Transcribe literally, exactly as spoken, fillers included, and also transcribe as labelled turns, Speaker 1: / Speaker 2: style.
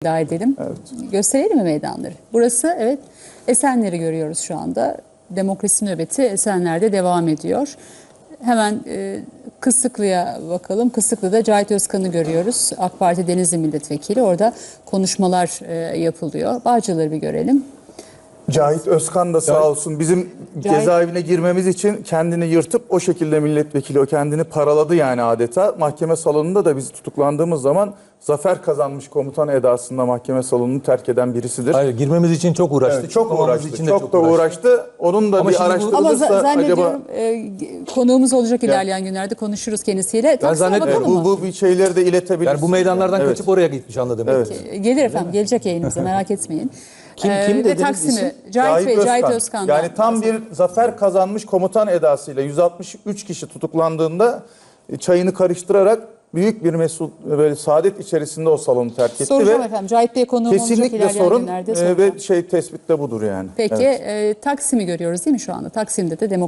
Speaker 1: iddia edelim.
Speaker 2: Evet.
Speaker 1: Gösterelim mi meydanları? Burası, evet, Esenler'i görüyoruz şu anda. Demokrasi nöbeti Esenler'de devam ediyor. Hemen e, Kısıklı'ya bakalım. Kısıklı'da Cahit Özkan'ı görüyoruz. AK Parti Denizli Milletvekili. Orada konuşmalar e, yapılıyor. Bağcılar'ı bir görelim.
Speaker 2: Cahit Özkan da sağ olsun bizim
Speaker 1: Cahit-
Speaker 2: cezaevine girmemiz için kendini yırtıp o şekilde milletvekili, o kendini paraladı yani adeta. Mahkeme salonunda da biz tutuklandığımız zaman zafer kazanmış komutan edasında mahkeme salonunu terk eden birisidir.
Speaker 3: Hayır, girmemiz için çok uğraştı.
Speaker 2: Evet, çok
Speaker 3: çıkmamamız
Speaker 2: uğraştı.
Speaker 3: için de
Speaker 2: Çok, da uğraştı. Onun da
Speaker 3: Ama
Speaker 2: bir
Speaker 3: şimdi bu-
Speaker 1: Ama
Speaker 2: araştırılırsa
Speaker 1: za-
Speaker 2: acaba...
Speaker 1: zannediyorum e, konuğumuz olacak ilerleyen günlerde, konuşuruz kendisiyle. Taksim'e
Speaker 3: zannetmiyorum.
Speaker 1: bakalım
Speaker 2: Bu,
Speaker 1: mı?
Speaker 2: bu bir şeyleri de iletebiliriz.
Speaker 3: Yani bu meydanlardan
Speaker 2: Evet.
Speaker 3: kaçıp oraya gitmiş anladım.
Speaker 2: Evet.
Speaker 1: E, Gelir efendim, gelecek yayınımıza, merak etmeyin.
Speaker 3: Kim-
Speaker 1: E,
Speaker 3: kim
Speaker 1: ve
Speaker 3: dediniz
Speaker 1: Taksim'i,
Speaker 3: isim?
Speaker 1: Cahit Bey, Cahit Özkan'dan.
Speaker 2: Yani tam bir zafer kazanmış komutan edasıyla yüz altmış üç kişi tutuklandığında e, çayını karıştırarak büyük bir mesut böyle saadet içerisinde o salonu terk etti
Speaker 1: Soracağım
Speaker 2: ve
Speaker 1: efendim. Cahit Bey konuğum olacak
Speaker 2: kesinlikle
Speaker 1: ilerleyen
Speaker 2: sorun
Speaker 1: günlerde
Speaker 2: e,
Speaker 1: soracağım.
Speaker 2: ve şey tespit de budur yani.
Speaker 1: Peki
Speaker 2: Evet.
Speaker 1: e, Taksim'i görüyoruz değil mi şu anda? Taksim'de de demokrasi